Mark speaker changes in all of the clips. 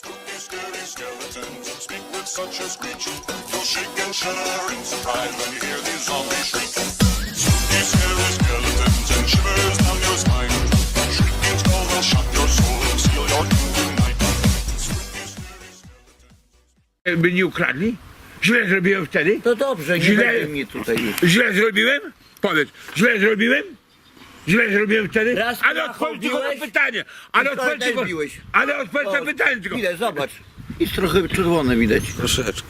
Speaker 1: Spooky, scary skeletons speak with such a screech. You'll shake and shudder in surprise when you hear these zombies shriek. Spooky, scary skeletons and shivers down your spine. Shrieking skull will shock your soul and seal your doom tonight. Spooky, scary skeletons.
Speaker 2: By nie ukradli? Źle zrobiłem wtedy?
Speaker 3: To dobrze, nie
Speaker 2: Źle-
Speaker 3: będzie mnie tutaj już.
Speaker 2: Źle zrobiłem? Powiedz, źle zrobiłem? Źle zrobiłem wtedy?
Speaker 3: Raz
Speaker 2: Ale odpowiedz tylko na
Speaker 3: biłeś,
Speaker 2: pytanie! Ale
Speaker 3: wczoraj
Speaker 2: odpowiedz
Speaker 3: też
Speaker 2: tylko...
Speaker 3: biłeś.
Speaker 2: Ale odpowiedz na
Speaker 3: O,
Speaker 2: pytanie tylko!
Speaker 3: Widać, zobacz. Jest trochę czerwone widać.
Speaker 4: Troszeczkę.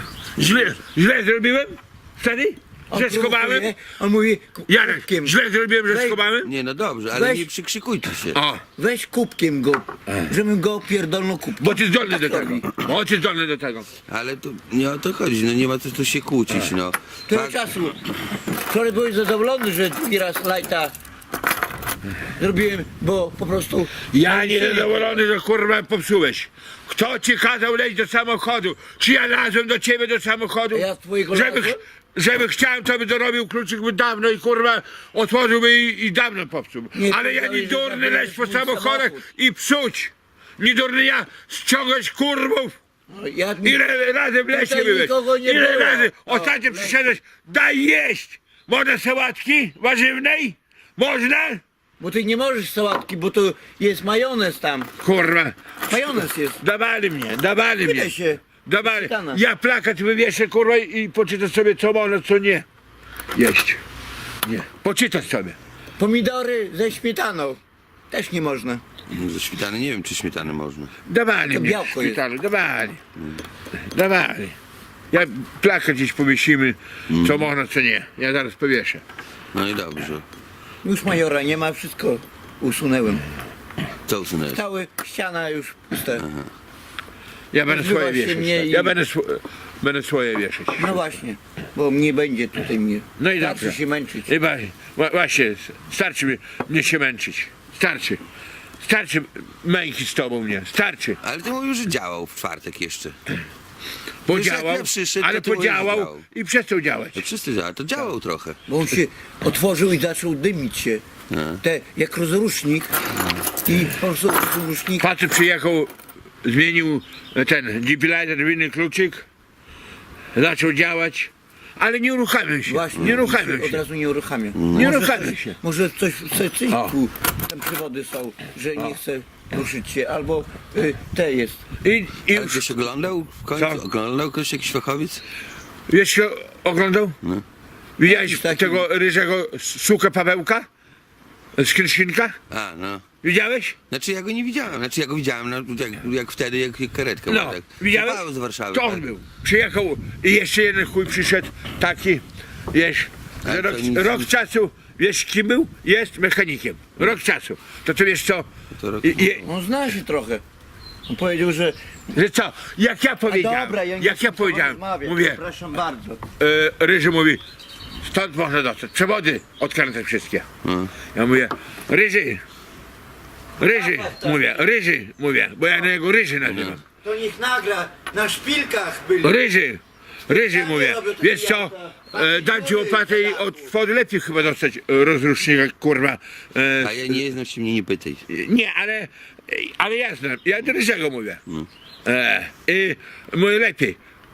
Speaker 2: Źle zrobiłem? Wtedy? Że schowałem?
Speaker 3: On mówi
Speaker 2: Janek,
Speaker 3: kubkiem.
Speaker 2: źle zrobiłem, że
Speaker 3: Weź-
Speaker 2: schowałem?
Speaker 4: Nie, no dobrze, ale
Speaker 3: Weź-
Speaker 4: nie przykrzykujcie się.
Speaker 2: O,
Speaker 3: Weź kubkiem go, żebym go pierdolnął kubkiem.
Speaker 2: bo ty zdolny
Speaker 3: Tak
Speaker 2: do tego.
Speaker 3: robi.
Speaker 2: Bo ty zdolny do tego.
Speaker 4: Ale to nie o to chodzi, no nie ma co tu się kłócić, no.
Speaker 3: Tyle
Speaker 4: Fakt-
Speaker 3: czasu. Wczoraj byłeś zadowolony, że drugi raz lajta zrobiłem, bo po prostu...
Speaker 2: Ja niezadowolony, że kurwa popsułeś. Kto ci kazał leć do samochodu? Czy ja lazłem do ciebie do samochodu?
Speaker 3: A ja z twojego
Speaker 2: żeby,
Speaker 3: lazłem?
Speaker 2: żeby chciałem, to by dorobił kluczyk by dawno i kurwa otworzyłby i dawno popsuł.
Speaker 3: Nie
Speaker 2: Ale ja nie
Speaker 3: powiedziałeś, że
Speaker 2: durny leć po
Speaker 3: zabrałeś mój
Speaker 2: samochodach
Speaker 3: samochód.
Speaker 2: i psuć. Nie durny ja ściągać kurwów.
Speaker 3: No, ja,
Speaker 2: Ile razy w lesie
Speaker 3: Tutaj
Speaker 2: byłeś?
Speaker 3: nikogo nie
Speaker 2: Ile
Speaker 3: było.
Speaker 2: razy?
Speaker 3: O,
Speaker 2: Ostatnio
Speaker 3: lesie.
Speaker 2: przyszedłeś, daj jeść. Można sałatki warzywnej? Można?
Speaker 3: Bo ty nie możesz sałatki, bo to jest majonez tam.
Speaker 2: Kurwa.
Speaker 3: Majonez jest.
Speaker 2: Dawali mnie.
Speaker 3: Tyle się.
Speaker 2: Dawali.
Speaker 3: Śmietana.
Speaker 2: Ja plakat wywieszę, kurwa, i poczytasz sobie, co można, co nie. Jeść. Nie. Poczytasz sobie.
Speaker 3: Pomidory ze śmietaną. Też nie można.
Speaker 4: Ze śmietany, nie wiem czy śmietany można.
Speaker 2: Dawali
Speaker 3: To
Speaker 2: mnie.
Speaker 3: białko jest.
Speaker 2: Szpitalu, dawali. Dawali. Ja plakat gdzieś powiesimy, co można, co nie. Ja zaraz powieszę.
Speaker 4: No i dobrze.
Speaker 3: Już majora nie ma, wszystko usunęłem.
Speaker 4: Co usunąłeś?
Speaker 3: Cała ściana już pusta.
Speaker 2: Ja będę
Speaker 3: Nazywa
Speaker 2: swoje
Speaker 3: się
Speaker 2: wieszać.
Speaker 3: mnie i-
Speaker 2: Ja będę swoje wieszać.
Speaker 3: No właśnie, bo nie będzie tutaj mnie.
Speaker 2: No i
Speaker 3: Starczy
Speaker 2: dobrze.
Speaker 3: się męczyć.
Speaker 2: I właśnie, starczy mnie się męczyć. Starczy. Starczy męki z tobą mnie. Starczy.
Speaker 4: Ale ty mówisz, że działał w czwartek jeszcze.
Speaker 2: Podziałał,
Speaker 4: jak ja przyszedł,
Speaker 2: ale
Speaker 4: to ty mówisz, że
Speaker 2: podziałał
Speaker 4: działał.
Speaker 2: i przestał działać.
Speaker 4: To wszyscy działał, to działał trochę.
Speaker 3: Bo on się otworzył i zaczął dymić się. Te, jak rozrusznik. I po prostu rozrusznik.
Speaker 2: Facet przyjechał, zmienił ten defibrillator w inny kluczyk, zaczął działać, ale nie uruchamiał się.
Speaker 3: Właśnie,
Speaker 2: Nie uruchamiał
Speaker 3: Od
Speaker 2: się.
Speaker 3: razu nie uruchamia.
Speaker 2: Nie
Speaker 3: Może
Speaker 2: uruchamia
Speaker 3: coś-
Speaker 2: się.
Speaker 3: Może coś w
Speaker 2: O.
Speaker 3: sercyjku, tam przewody są, że nie chce ruszyć się, albo te jest.
Speaker 2: I
Speaker 4: Ale
Speaker 2: już,
Speaker 4: ktoś oglądał w końcu?
Speaker 2: Co?
Speaker 4: Oglądał ktoś jakiś fachowiec?
Speaker 2: wiesz, się oglądał?
Speaker 4: No.
Speaker 2: Widziałeś
Speaker 3: Jakiś taki-
Speaker 2: tego ryżego sukę Pawełka? Z Kryszynka?
Speaker 4: A, no.
Speaker 2: Widziałeś?
Speaker 4: Znaczy ja go nie widziałem, znaczy ja go widziałem, no, jak wtedy, jak karetkę
Speaker 2: No,
Speaker 4: ma, tak.
Speaker 2: widziałeś?
Speaker 4: Paweł z Warszawy.
Speaker 2: To on
Speaker 4: tak.
Speaker 2: był. Przyjechał i jeszcze jeden chuj przyszedł, taki, wiesz,
Speaker 4: Ale
Speaker 2: że
Speaker 4: to
Speaker 2: rok,
Speaker 4: nic-
Speaker 2: rok czasu, wiesz kim był? Jest mechanikiem. Rok czasu. To wiesz co?
Speaker 4: To rok-
Speaker 3: On zna się trochę. On powiedział, że...
Speaker 2: Że co? Jak ja
Speaker 3: A
Speaker 2: powiedziałem,
Speaker 3: dobra, ja nie
Speaker 2: jak
Speaker 3: chcę
Speaker 2: ja powiedziałem,
Speaker 3: rozmawiać,
Speaker 2: mówię,
Speaker 3: przepraszam bardzo.
Speaker 2: Ryży mówi, stąd można dostać, przewody odkręcę wszystkie.
Speaker 4: No.
Speaker 2: Ja mówię, Ryży, mówię, bo ja na niego Ryży nazywam.
Speaker 3: To niech nagra, na szpilkach byli.
Speaker 2: Ryży,
Speaker 3: Ja nie
Speaker 2: mówię,
Speaker 3: robię takiego
Speaker 2: wiesz co,
Speaker 3: jazda.
Speaker 2: dam ci łopatę i od wody lepiej chyba dostać rozrusznika, kurwa.
Speaker 4: A ja nie znam się, mnie nie pytaj.
Speaker 2: Nie, ale ja znam, ja do Ryżego mówię. I mówię lepiej.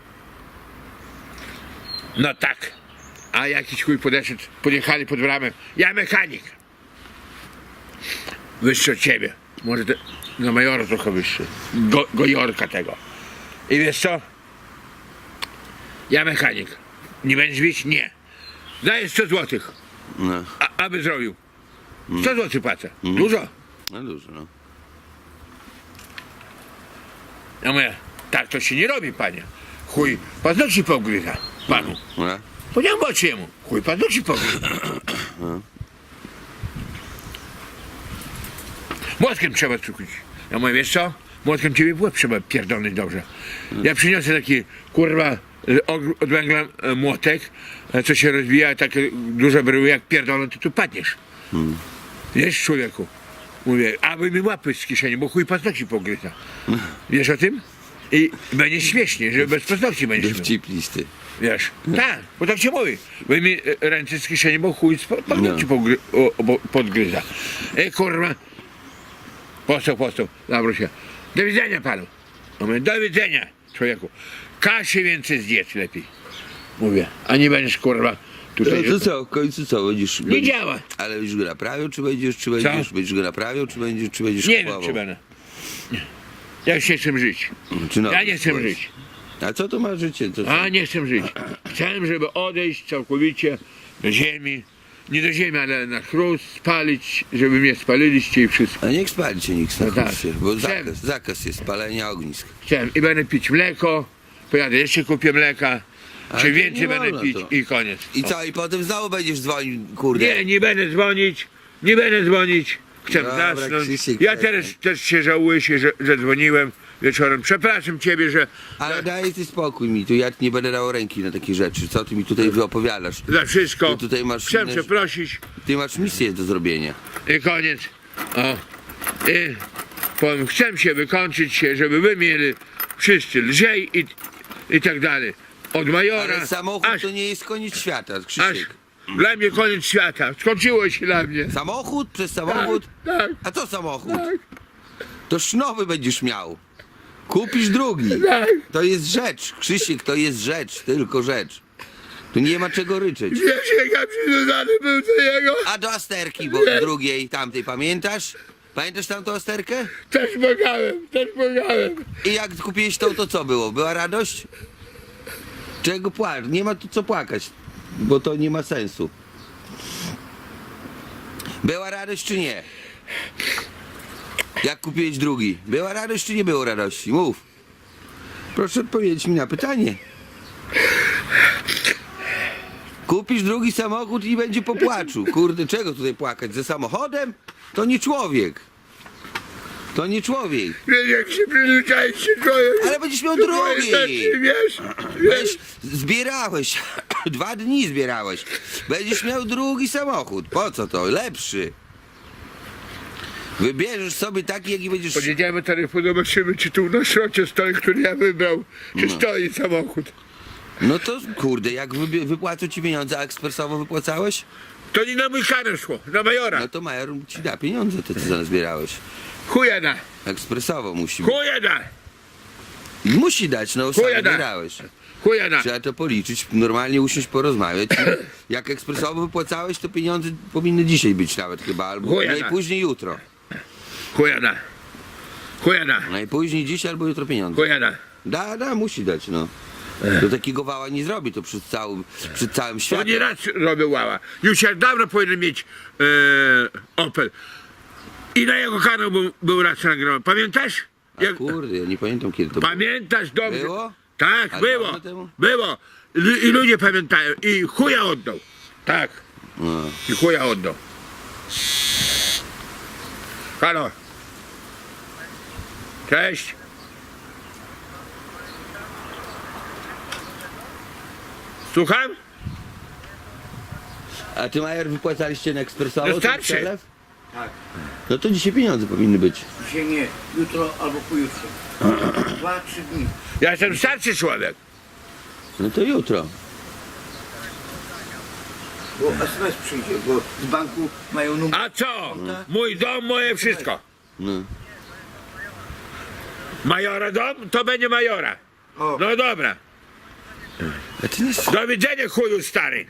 Speaker 2: No tak, a jakiś chuj podeszedł, podjechali pod bramę, ja mechanik. Wyższy od ciebie, może na majora trochę wyższy, gojorka tego. I wiesz co? Ja mechanik. Nie będziesz bić? Nie. Daję 100 złotych,
Speaker 4: No,
Speaker 2: aby zrobił. 100 złotych płacę. Dużo?
Speaker 4: no dużo, no.
Speaker 2: Ja mówię, tak to się nie robi, panie. Chuj, paznokci pogryza panu.
Speaker 4: No.
Speaker 2: Powiedziałem oczy jemu. Chuj, paznokci pogryza. Młotkiem trzeba cukić. Ja mówię, wiesz co? Młotkiem ciebie w łeb trzeba pierdolnąć dobrze. Ja przyniosę taki, kurwa, od węgla młotek, co się rozwija, takie duże bryły, jak pierdolą, to tu padniesz. Wiesz, człowieku? Mówię, aby mi łapy z kieszeni, bo chuj paznokci pogryza. Wiesz o tym? I będzie śmiesznie, że bez paznokci będziesz miał.
Speaker 4: Dowcip listy.
Speaker 2: Wiesz? Tak, bo tak się mówi. Wyjmij ręce z kieszeni, bo chuj z paznokci podgryza. Kurwa. Postał, zawróć się. Do widzenia panu. A mówię, do widzenia, człowieku. Kaszy więcej zjedz lepiej. Mówię, a nie będziesz kurwa tutaj.
Speaker 4: No to co, w końcu co, będziesz...
Speaker 2: Nie działa.
Speaker 4: Ale będziesz go naprawiał, czy będziesz go naprawiał, czy będziesz
Speaker 2: Nie
Speaker 4: kupował?
Speaker 2: wiem, czy będę. Nie. Ja już nie chcę żyć.
Speaker 4: Czy no,
Speaker 2: Ja nie chcę
Speaker 4: słuchaj.
Speaker 2: żyć.
Speaker 4: A co to ma życie? To
Speaker 2: A nie chcę żyć. Chciałem, żeby odejść całkowicie do ziemi. Nie do ziemi, ale na chrust, spalić, żeby mnie spaliliście i wszystko.
Speaker 4: A niech spalicie, nikt
Speaker 2: No tak.
Speaker 4: bo
Speaker 2: Chcemy.
Speaker 4: zakaz jest palenia ognisk.
Speaker 2: Chciałem i będę pić mleko, pojadę jeszcze kupię mleka,
Speaker 4: Ale
Speaker 2: czy
Speaker 4: to
Speaker 2: więcej
Speaker 4: nie
Speaker 2: będę
Speaker 4: wolno
Speaker 2: pić
Speaker 4: to.
Speaker 2: i koniec.
Speaker 4: I co, i potem znowu będziesz dzwonił, kurde.
Speaker 2: Nie będę dzwonić, nie będę dzwonić. Chcę
Speaker 4: Dobra,
Speaker 2: zasnąć.
Speaker 4: Krzysiek,
Speaker 2: Ja
Speaker 4: przestań.
Speaker 2: też się żałuję, że dzwoniłem wieczorem. Przepraszam ciebie, że
Speaker 4: Ale daj ty spokój mi, tu ja nie będę dał ręki na takie rzeczy. Co ty mi tutaj wyopowiadasz?
Speaker 2: za wszystko.
Speaker 4: Ty tutaj masz
Speaker 2: Chcę
Speaker 4: inne-
Speaker 2: przeprosić
Speaker 4: Ty masz misję do zrobienia.
Speaker 2: i koniec. O. I powiem, chcę się wykończyć się, żeby wy mieli wszyscy lżej i tak dalej. Od majora
Speaker 4: Ale samochód
Speaker 2: aż
Speaker 4: to nie jest koniec świata, Krzysiek.
Speaker 2: dla mnie koniec świata. Skończyło się dla mnie.
Speaker 4: Samochód przez samochód?
Speaker 2: Tak,
Speaker 4: A co samochód?
Speaker 2: tak,
Speaker 4: To nowy będziesz miał. Kupisz drugi.
Speaker 2: tak.
Speaker 4: To jest rzecz, Krzysiek, to jest rzecz, tylko rzecz. Tu nie ma czego ryczeć.
Speaker 2: Wiesz, jak ja przywiązany był do jego?
Speaker 4: A do Asterki, bo drugiej, tamtej, pamiętasz? Pamiętasz tamtą Asterkę?
Speaker 2: Też płakałem.
Speaker 4: I jak kupiłeś tą, to co było? Była radość? Czego płakać? Nie ma tu co płakać, bo to nie ma sensu. Była radość czy nie? Jak kupiłeś drugi? Była radość czy nie było radości? Mów. Proszę odpowiedzieć mi na pytanie. Kupisz drugi samochód i będzie po płaczu. Kurde, czego tutaj płakać? Ze samochodem? To nie człowiek. To nie człowiek.
Speaker 2: Wiesz, jak się przyzwyczaić się człowiek.
Speaker 4: Ale będziesz miał
Speaker 2: do twojej
Speaker 4: drugi.
Speaker 2: stacji, wiesz?
Speaker 4: Weź, zbierałeś, 2 dni zbierałeś. Będziesz miał drugi samochód. Po co to? Lepszy. Wybierzesz sobie taki, jaki będziesz...
Speaker 2: Podjedziemy taryfu, zobaczymy, czy tu na szrocie stoi, który ja wybrał, czy stoi samochód.
Speaker 4: No to kurde, jak wypłacą ci pieniądze, a ekspresowo wypłacałeś?
Speaker 2: To nie na mój karę szło, na majora.
Speaker 4: No to major ci da pieniądze, te co zbierałeś.
Speaker 2: Chuja da,
Speaker 4: Ekspresowo musi być.
Speaker 2: chuja da,
Speaker 4: Musi dać, no sam
Speaker 2: Chuja da.
Speaker 4: zbierałeś.
Speaker 2: chuja da.
Speaker 4: Trzeba to policzyć, normalnie usiąść, porozmawiać. Jak ekspresowo wypłacałeś, to pieniądze powinny dzisiaj być nawet chyba, albo
Speaker 2: Chuja da.
Speaker 4: najpóźniej jutro.
Speaker 2: Chuja da. Chuja da.
Speaker 4: Najpóźniej dzisiaj albo jutro pieniądze.
Speaker 2: Chuja da.
Speaker 4: Da, musi dać, no. To takiego wała nie zrobi, to przed całym
Speaker 2: To
Speaker 4: światem.
Speaker 2: nie raz robił łała. Już jak dawno powinien mieć Opel. I na jego kanał był raz nagrany. Pamiętasz?
Speaker 4: A kurde, ja nie pamiętam kiedy to było.
Speaker 2: Pamiętasz dobrze?
Speaker 4: Było?
Speaker 2: Tak,
Speaker 4: A
Speaker 2: było.
Speaker 4: dawno temu?
Speaker 2: Było. I ludzie pamiętają. I chuja oddał. Tak.
Speaker 4: No.
Speaker 2: I chuja oddał. Halo. Cześć. Słucham?
Speaker 4: A ty, Major, wypłacaliście na ekspresowo?
Speaker 2: No
Speaker 4: ten
Speaker 2: starszy.
Speaker 4: przelew?
Speaker 3: Tak.
Speaker 4: No to dzisiaj pieniądze powinny być.
Speaker 3: Dzisiaj nie, jutro albo pojutrze. 2-3 dni.
Speaker 2: Ja jestem starszy człowiek.
Speaker 4: No to jutro.
Speaker 3: Bo SMS przyjdzie, bo z banku mają numer.
Speaker 2: A co? Mój dom, moje wszystko.
Speaker 4: No.
Speaker 2: Majora dom, to będzie majora.
Speaker 3: O.
Speaker 2: No dobra.
Speaker 4: A ty nie...
Speaker 2: Do widzenia, chuju stary.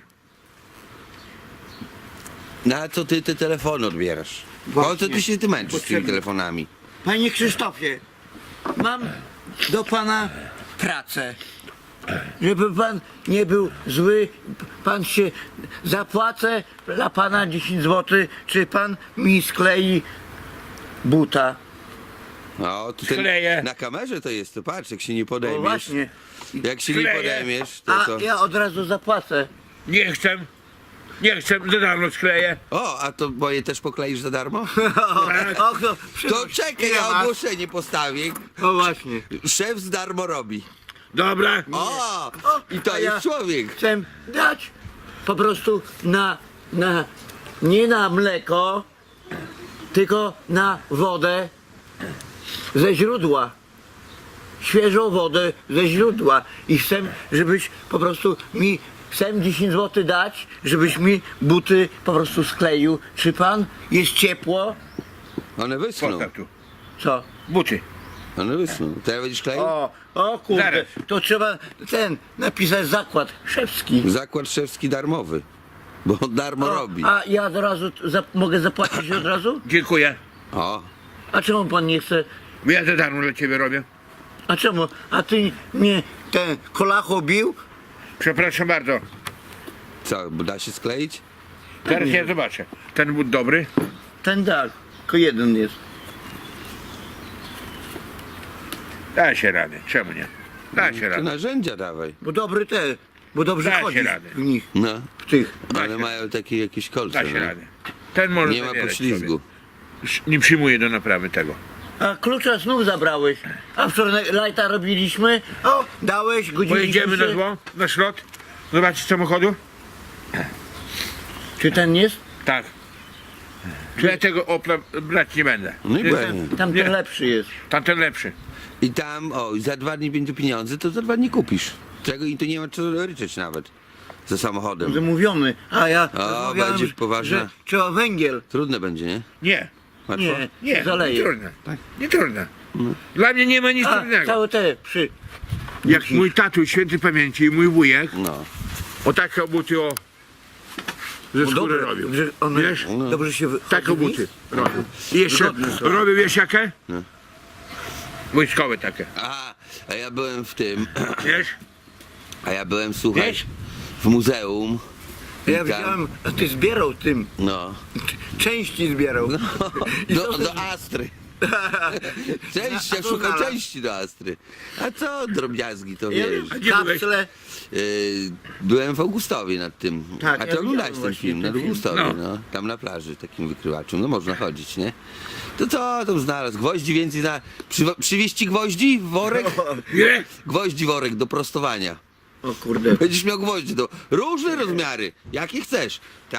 Speaker 4: Na co ty te telefony odbierasz? Po co ty się ty męczysz z tymi
Speaker 3: Potrzebne.
Speaker 4: telefonami?
Speaker 3: Panie Krzysztofie, mam do pana pracę. Żeby pan nie był zły, pan się zapłacę dla pana 10 zł, czy pan mi sklei buta.
Speaker 4: O, tu ten,
Speaker 2: Skleję.
Speaker 4: na kamerze to jest, to patrz, jak się nie
Speaker 3: O
Speaker 4: podejmiesz.
Speaker 3: właśnie.
Speaker 4: Jak się nie
Speaker 2: Skleję.
Speaker 4: podejmiesz, to
Speaker 3: A
Speaker 4: co?
Speaker 3: ja od razu zapłacę.
Speaker 2: Nie chcę. Nie chcę, za darmo skleję.
Speaker 4: O, a to moje też pokleisz za darmo?
Speaker 3: O, to,
Speaker 4: To czekaj, ja ogłoszenie postawię.
Speaker 3: O właśnie.
Speaker 4: Szef z darmo robi.
Speaker 2: Dobra.
Speaker 4: O! I to
Speaker 3: a
Speaker 4: jest
Speaker 3: ja
Speaker 4: człowiek.
Speaker 3: Chcę dać po prostu nie na mleko, tylko na wodę ze źródła. Świeżą wodę ze źródła. I chcę, żebyś po prostu mi, chcę 10 zł dać, żebyś mi buty po prostu skleił. Czy pan jest ciepło?
Speaker 4: One wyschną.
Speaker 2: Postaw tu.
Speaker 3: Co?
Speaker 2: Buty.
Speaker 4: One wysną. Teraz będziesz kleił?
Speaker 3: O kurde,
Speaker 2: Zaraz.
Speaker 3: to trzeba napisać zakład szewski.
Speaker 4: Zakład szewski darmowy. Bo on darmo robi.
Speaker 3: A ja od razu mogę zapłacić od razu?
Speaker 2: Dziękuję.
Speaker 4: O,
Speaker 3: A czemu pan nie chce?
Speaker 2: Bo ja za darmo dla ciebie robię.
Speaker 3: A czemu? A ty mnie ten kolacho bił?
Speaker 2: Przepraszam bardzo.
Speaker 4: co, da się skleić?
Speaker 2: Zaraz ja zobaczę. Ten but dobry.
Speaker 3: Ten tak, tylko jeden jest.
Speaker 2: Da się radę. Czemu nie? Da się
Speaker 4: To
Speaker 2: radę.
Speaker 4: narzędzia dawaj.
Speaker 3: Bo dobry bo dobrze
Speaker 2: Da się
Speaker 3: chodzi
Speaker 2: radę.
Speaker 3: w nich,
Speaker 4: No,
Speaker 3: w tych.
Speaker 4: ale mają takie jakieś kolce.
Speaker 2: Da się
Speaker 4: no.
Speaker 2: radę. Ten może
Speaker 4: Nie ma
Speaker 2: zabierać
Speaker 4: poślizgu.
Speaker 2: sobie. Nie przyjmuję do naprawy tego.
Speaker 3: A klucza znów zabrałeś. A wczoraj lajta robiliśmy. O, dałeś, godziliśmy
Speaker 2: Pojedziemy
Speaker 3: się.
Speaker 2: na zło, na szlot. Zobaczyć samochodu?
Speaker 3: Czy ten jest?
Speaker 2: Tak. Czy ja tego Opla brać nie będę.
Speaker 4: No i
Speaker 2: Jestem-
Speaker 4: będzie.
Speaker 3: Tamten
Speaker 2: Nie.
Speaker 3: lepszy jest.
Speaker 2: Tamten lepszy.
Speaker 4: I tam, za 2 dni będzie pieniądze, to za 2 dni kupisz. Czego i to nie ma co ryczeć nawet. Za samochodem.
Speaker 3: Zamówiony. A ja
Speaker 4: O,
Speaker 3: rozmawiałem,
Speaker 4: będzie poważne.
Speaker 3: że trzeba węgiel.
Speaker 4: Trudne będzie, nie?
Speaker 2: Nie.
Speaker 4: Łatwo?
Speaker 3: Nie,
Speaker 2: Nie,
Speaker 3: zaleje.
Speaker 2: nie trudne. Nie trudne. Dla mnie nie ma nic
Speaker 3: A,
Speaker 2: trudnego.
Speaker 3: całe te przy...
Speaker 2: Jak mój tatuś świętej pamięci i mój wujek
Speaker 4: No.
Speaker 2: o takie buty ze skóry robił.
Speaker 3: że one
Speaker 2: Wiesz?
Speaker 3: dobrze się
Speaker 2: Takie
Speaker 3: wychodzi.
Speaker 2: buty robił. I jeszcze
Speaker 3: Wygodne są.
Speaker 2: robił, wiesz jakie? Wojskowe takie.
Speaker 4: A ja byłem w tym,
Speaker 2: Wiesz?
Speaker 4: słuchaj,
Speaker 2: Wiesz?
Speaker 4: w muzeum. I
Speaker 3: Ja
Speaker 4: tam-
Speaker 3: widziałem, a ty zbierał tym.
Speaker 4: No.
Speaker 3: Części zbierał.
Speaker 4: Do Astry. Części,
Speaker 3: A
Speaker 4: ja
Speaker 3: co
Speaker 4: szukam
Speaker 3: znalazł?
Speaker 4: części do Astry. A co drobiazgi, to
Speaker 3: Ja
Speaker 4: wiesz.
Speaker 2: A gdzie byłeś?
Speaker 3: kapsle.
Speaker 4: Byłem w Augustowie nad tym.
Speaker 3: Tak,
Speaker 4: A
Speaker 3: ja
Speaker 4: ty oglądałeś
Speaker 3: widziałem
Speaker 4: ten film
Speaker 3: właśnie
Speaker 4: nad
Speaker 3: ten film.
Speaker 4: Augustowie,
Speaker 2: No.
Speaker 4: no. Tam na plaży, takim wykrywaczem. No można chodzić, nie? To co tam znalazł? Gwoździ więcej przywieźć ci gwoździ? Worek?
Speaker 2: Nie?
Speaker 4: Gwoździ worek do prostowania.
Speaker 3: O kurde.
Speaker 4: Będziesz miał gwoździe do różne rozmiary. Jakie chcesz.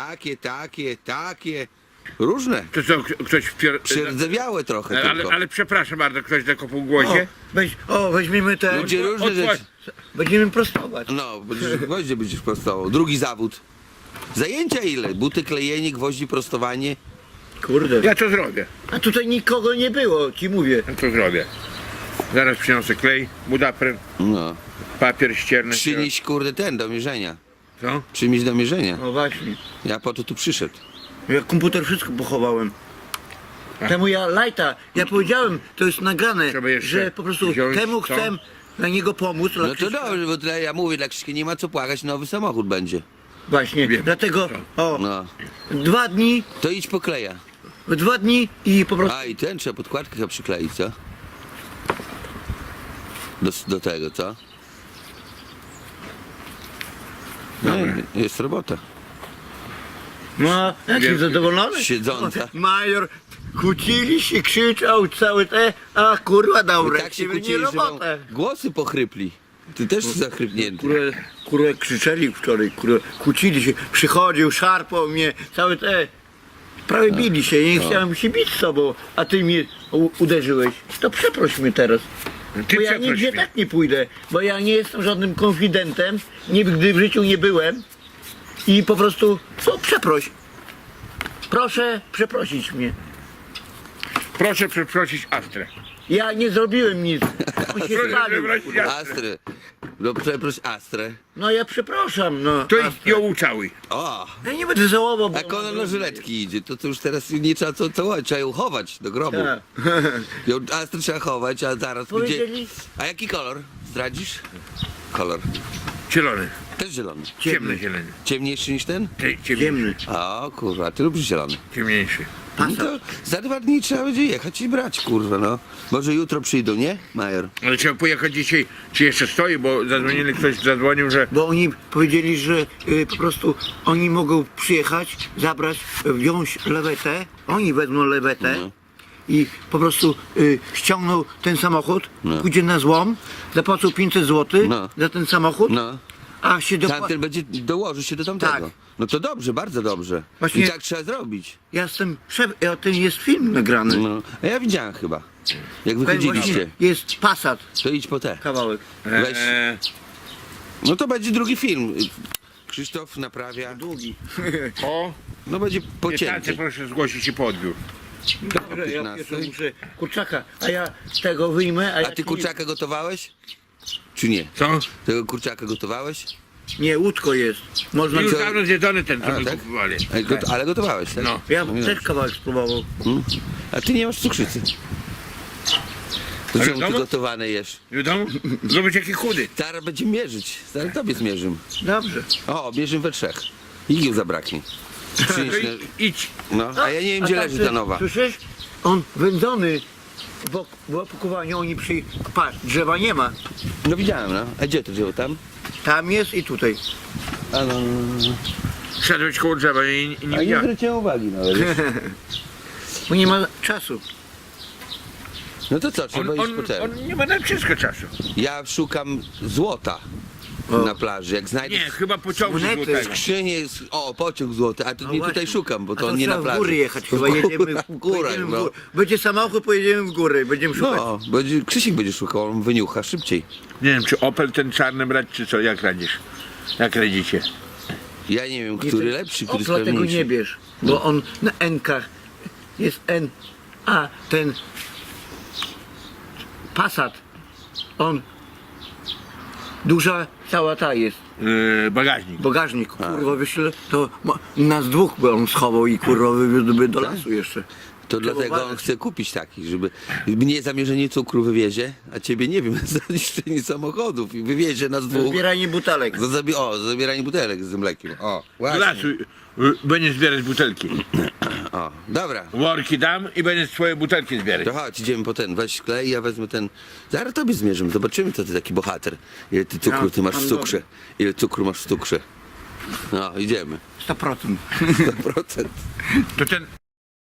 Speaker 4: Takie. Różne.
Speaker 2: To co, ktoś
Speaker 4: Przerdzewiałe trochę tylko.
Speaker 2: ale przepraszam bardzo, ktoś zakopał gwoździe?
Speaker 3: Weźmiemy te.
Speaker 4: Ludzie różne rzeczy.
Speaker 3: Będziemy prostować.
Speaker 4: No, gwoździe będziesz prostował. Drugi zawód. Zajęcia ile? Buty, klejenie, gwoździ, prostowanie.
Speaker 3: Kurde.
Speaker 2: Ja to zrobię.
Speaker 3: A tutaj nikogo nie było, ci mówię.
Speaker 2: Ja to zrobię. Zaraz przyniosę klej, budapryn,
Speaker 4: No.
Speaker 2: papier ścierny.
Speaker 4: Przynieś kurde ten do mierzenia.
Speaker 2: Co?
Speaker 4: Przynieś do mierzenia.
Speaker 3: No właśnie.
Speaker 4: Ja po to tu przyszedł.
Speaker 3: Ja komputer wszystko pochowałem. Temu ja powiedziałem, to jest nagrane,
Speaker 2: Trzeba jeszcze
Speaker 3: że po prostu
Speaker 2: wziąć
Speaker 3: temu
Speaker 2: co?
Speaker 3: chcę na niego pomóc. dla
Speaker 4: No to
Speaker 3: Krzyśka.
Speaker 4: dobrze, bo tyle ja mówię, dla Krzyśka nie ma co płakać, nowy samochód będzie.
Speaker 3: Właśnie,
Speaker 2: Wiem.
Speaker 3: dlatego
Speaker 4: No.
Speaker 3: 2 dni,
Speaker 4: To idź po kleja.
Speaker 3: 2 dni i po prostu
Speaker 4: A i ten trzeba podkładkę chyba przykleić, co? Do tego, co? No, jest robota.
Speaker 3: no, jaki
Speaker 2: Wiem.
Speaker 3: zadowolony.
Speaker 4: Siedząca.
Speaker 3: Major, kłócili się, krzyczał całe te, a kurwa dał
Speaker 4: I tak się
Speaker 3: wreszcie
Speaker 4: kłócili,
Speaker 3: nie
Speaker 4: że wam
Speaker 3: robotę.
Speaker 4: głosy pochrypli. Ty też zachrypnięty.
Speaker 3: Kurwa krzyczeli wczoraj, kurwa, kłócili się, przychodził, szarpał mnie, całe te, prawie bili się, nie chciałem się bić z tobą, a ty mnie uderzyłeś. To przeproś mnie teraz.
Speaker 2: Ty
Speaker 3: Bo ja
Speaker 2: przeproś
Speaker 3: nigdzie
Speaker 2: mnie.
Speaker 3: tak nie pójdę, bo ja nie jestem żadnym konfidentem, nigdy w życiu nie byłem i po prostu, co, przeproś. Proszę przeprosić mnie.
Speaker 2: Proszę przeprosić Astrę.
Speaker 3: Ja nie zrobiłem nic. On się
Speaker 2: Proszę
Speaker 3: spalił.
Speaker 2: przeprosić Astrę.
Speaker 4: Astrę. No przeproś Astrę.
Speaker 3: No ja przepraszam, no.
Speaker 2: To idź ją ucałuj.
Speaker 4: O!
Speaker 3: Ja nie będę żałował, bo...
Speaker 4: Jak ona na żyletki idzie, to już teraz nie trzeba co całować, trzeba ją chować do grobu.
Speaker 3: Tak.
Speaker 4: Ją Astrę trzeba chować, a zaraz
Speaker 3: Powiedzieli-
Speaker 4: będzie... A jaki kolor? Zdradzisz? Kolor.
Speaker 2: Zielony.
Speaker 4: Też zielony.
Speaker 2: Ciemny zielony.
Speaker 4: Ciemniejszy niż ten?
Speaker 3: Ciemny.
Speaker 4: O kurwa, ty lubisz zielony.
Speaker 2: Ciemniejszy.
Speaker 4: No to za 2 dni trzeba będzie jechać i brać, kurwa, no. Może jutro przyjdą, nie, Major?
Speaker 2: Ale trzeba pojechać dzisiaj, czy jeszcze stoi, bo zadzwonili, ktoś zadzwonił, że
Speaker 3: Bo oni powiedzieli, że po prostu oni mogą przyjechać, zabrać, wziąć lewetę, oni wezmą lewetę
Speaker 4: No.
Speaker 3: i po prostu ściągną ten samochód,
Speaker 4: No.
Speaker 3: pójdzie na złom, zapłacą 500 zł
Speaker 4: No.
Speaker 3: za ten samochód,
Speaker 4: No.
Speaker 3: a się
Speaker 4: Tamten będzie, dołoży się do tamtego.
Speaker 3: Tak.
Speaker 4: No to dobrze, bardzo dobrze.
Speaker 3: Właśnie-
Speaker 4: I tak trzeba zrobić.
Speaker 3: Ja jestem ten jest film nagrany.
Speaker 4: No. A ja widziałem chyba, jak
Speaker 3: Ten
Speaker 4: wychodziliście.
Speaker 3: właśnie jest Passat
Speaker 4: To idź po te.
Speaker 3: kawałek.
Speaker 4: Weź. No to będzie drugi film. Krzysztof naprawia.
Speaker 3: Długi.
Speaker 2: o,
Speaker 4: No będzie
Speaker 2: nie tacy
Speaker 4: pocięty.
Speaker 2: proszę zgłosić się po odbiór.
Speaker 3: Dobrze, ja
Speaker 4: 15.
Speaker 3: pierwszy muszę kurczaka, a ja tego wyjmę,
Speaker 4: A ty kurczaka gotowałeś? Czy nie?
Speaker 2: Co?
Speaker 4: Tego kurczaka gotowałeś?
Speaker 3: Nie, łódko jest. Można...
Speaker 2: Już
Speaker 4: co?
Speaker 2: dawno zjedzony ten, co
Speaker 4: A,
Speaker 2: my
Speaker 4: tak?
Speaker 2: kupowali.
Speaker 4: Ale gotowałeś, tak?
Speaker 2: No.
Speaker 3: Ja
Speaker 4: No,
Speaker 3: też kawałek spróbował.
Speaker 4: A ty nie masz cukrzycy. To
Speaker 2: Ale
Speaker 4: czemu ty
Speaker 2: domu?
Speaker 4: gotowane jesz?
Speaker 2: Wiadomo? Zobacz jaki chudy.
Speaker 4: Zaraz będziemy mierzyć. Zaraz tobie zmierzymy.
Speaker 3: Dobrze.
Speaker 4: O, bierzemy we trzech. Igieł zabraknie. Przynieś
Speaker 2: To
Speaker 4: na-
Speaker 2: idź.
Speaker 4: No, a ja nie wiem, gdzie
Speaker 3: tak,
Speaker 4: leży ta nowa.
Speaker 3: Słyszysz? On wędzony, bo w opakowaniu oni patrz, drzewa nie ma.
Speaker 4: No widziałem, no. A gdzie to wziął tam?
Speaker 3: Tam jest i tutaj.
Speaker 4: A no.
Speaker 2: Szedłeś koło drzewa i nie
Speaker 4: A nie
Speaker 2: widziałem.
Speaker 4: zwróciłem uwagi nawet.
Speaker 3: Bo nie ma czasu.
Speaker 4: No to co, trzeba iść po ten.
Speaker 2: On nie ma na wszystko czasu.
Speaker 4: Ja szukam złota
Speaker 3: O.
Speaker 4: na plaży. Jak znajdę
Speaker 2: Nie, chyba pociągu
Speaker 3: Monety.
Speaker 2: złotego.
Speaker 4: skrzynię, o, pociąg złoty, a tu
Speaker 3: No
Speaker 4: nie
Speaker 3: właśnie.
Speaker 4: tutaj szukam, bo
Speaker 3: A
Speaker 4: to nie na
Speaker 3: trzeba
Speaker 4: plaży.
Speaker 3: w góry jechać, chyba jedziemy
Speaker 4: w górę,
Speaker 3: pojedziemy w
Speaker 4: no.
Speaker 3: górę. Będzie samochód, pojedziemy w góry, będziemy szukać.
Speaker 4: No, Krzysiek będzie szukał, on wyniucha szybciej.
Speaker 2: Nie wiem, czy Opel ten czarny brać, czy co? Jak radzisz? Jak radzicie?
Speaker 4: Ja nie wiem,
Speaker 3: Nie,
Speaker 4: który
Speaker 3: ten
Speaker 4: lepszy, który
Speaker 3: Opla tego
Speaker 4: sprawniejszy.
Speaker 3: nie bierz, bo on na N-kach jest N, a ten Passat, on duża cała ta jest,
Speaker 2: Bagażnik.
Speaker 3: bagażnik, kurwa wyśle, to nas dwóch by on schował i kurwa wywiózłby do lasu jeszcze.
Speaker 4: To
Speaker 3: Trzeba
Speaker 4: dlatego on
Speaker 3: uważać.
Speaker 4: chce kupić taki, żeby mnie zamierzenie cukru wywiezie, a ciebie nie wiem, za niszczenie samochodów i wywiezie nas dwóch.
Speaker 3: Zbieranie butelek.
Speaker 4: Za zabieranie butelek z mlekiem. O,
Speaker 2: Do
Speaker 4: właśnie.
Speaker 2: lasu będzie zbierać butelki.
Speaker 4: O, dobra.
Speaker 2: Worki dam i będzie swoje butelki zbierać.
Speaker 4: To chodź, idziemy po ten, weź klej, ja wezmę ten. Zaraz tobie zmierzymy, zobaczymy, co ty taki bohater. Ile ty cukru ty masz w cukrze. Ile cukru masz w cukrze. No, idziemy.
Speaker 3: 100%.
Speaker 4: 100%.
Speaker 2: To ten